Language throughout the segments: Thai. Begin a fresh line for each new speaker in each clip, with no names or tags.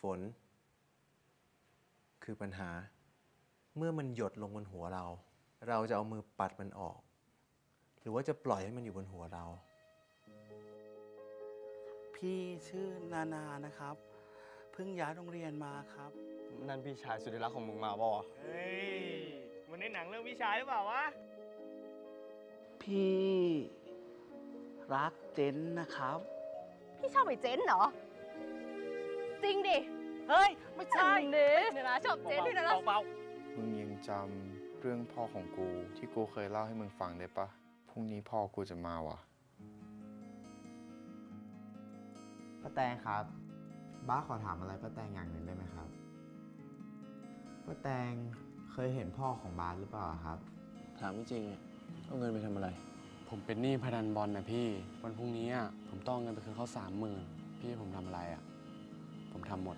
ฝนคือปัญหาเมื่อมันหยดลงบนหัวเรา เราจะเอามือปัดมันออก หรือว่าจะปล่อยให้มันอยู่บนหัวเรา
พี่ชื่อนานานะครับเพิ่งย้ายโรงเรียนมาครับ
นั่นพี่ชายสุดที่รักของมึงมาบ่
เฮ้ยมันในหนังเรื่องวิชาหรือเปล่าวะ
พี่รักเจนนะครับ
พี่ชอบไอ้เจนเหรอ จริงดิ
เฮ้ย ไม่ใช่
เนี่ยนะชอบเจนด้วยนะ
เบา
มึงยังจำเรื่องพ่อของกูที่กูเคยเล่าให้มึงฟังได้ปะพรุ่งนี้พ่อกูจะมาว่ะ
ป้าแตงครับ บ้าขอถามอะไรป้าแตงอย่างหนึ่งได้ไหมครับป้าแตงเคยเห็นพ่อของบาสหรือเปล่าครับ
ถามจริงๆเอาเงินไปทำอะไร
ผมเป็นหนี้พนันบอลนะพี่ วันพรุ่งนี้ผมต้องเอาเงินไปคืนเขา30,000พี่ให้ผมทำอะไรผมทำหมด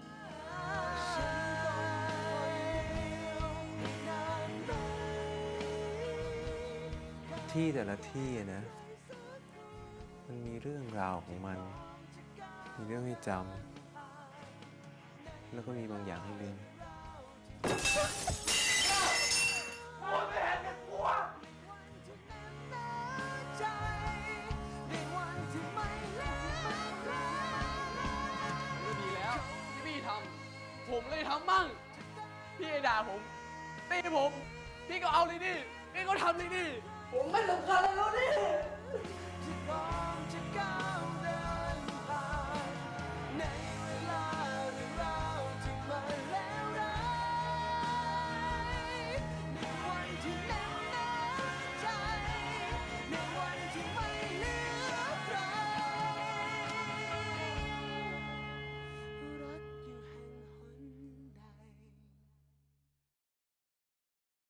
ที่แต่ละที่นะ มันมีเรื่องราวของมัน มีเรื่องให้จำ แล้วก็มีบางอย่างให้ลืม
ก็ดีแล้วที่พี่ทำผมเลยทำบ้างพี่ไอ้ด่าผมตีผมพี่ก็เอาเลยดิพี่ก็ทำเลยดิผมไม่สำคัญแล้วดิ